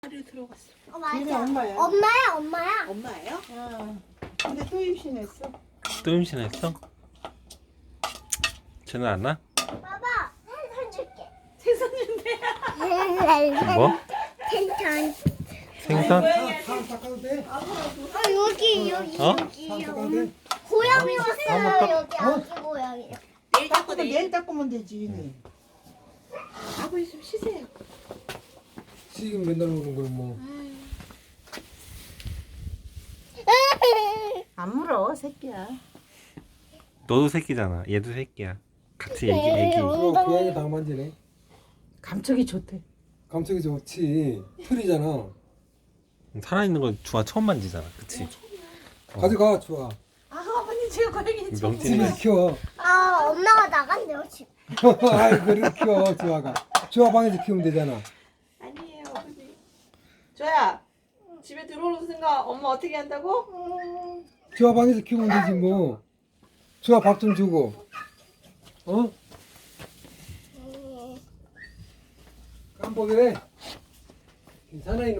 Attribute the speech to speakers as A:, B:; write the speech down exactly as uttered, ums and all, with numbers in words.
A: 를 들어갔어.
B: 어,
C: 얘네
B: 맞아.
C: 엄마야.
B: 엄마야, 엄마야.
A: 엄마예요?
C: 어. 근데 또 임신했어.
D: 또 임신했어? 쟤는 안 나?
B: 봐봐, 생선 줄게.
A: 생선 준대.
D: 뭐?
B: 생선.
D: 생선?
E: 사람 닦아도 돼?
B: 어, 여기, 여기,
D: 어?
B: 여기.
E: 사람 닦아도 돼?
B: 고양이
D: 한번
B: 왔어요,
D: 딱-
B: 여기 아기 고양이.
A: 내일 닦고
C: 닦으면
A: 내일.
C: 내일 닦으면 되지.
A: 아버지 좀 쉬세요.
E: 지금 맨날 오는 걸 뭐.
C: 안 물어, 새끼야.
D: 너도 새끼잖아. 얘도 새끼야. 같이 애기 애기.
E: 그거 고양이 다 만지네.
C: 감촉이 좋대.
E: 감촉이 좋지. 털이잖아.
D: 살아있는 거 주아 처음 만지잖아. 그치?
E: 가져가, 좋아.
A: 아 아버님 제가 고양이 좀.
D: 명진이
E: 집에서 키워.
B: 아, 엄마가 나간대요, 지금.
E: 아이, 그렇게 키워, 좋아가. 좋아 방에서 키우면 되잖아.
A: 아니에요 아버지. 조야 집에 들어오는 순간 엄마 어떻게 한다고?
B: 음,
E: 좋아 방에서 키우면 되지 뭐. 좋아 밥 좀 주고. 어?
B: 음.
E: 깜빡이래. 사나이는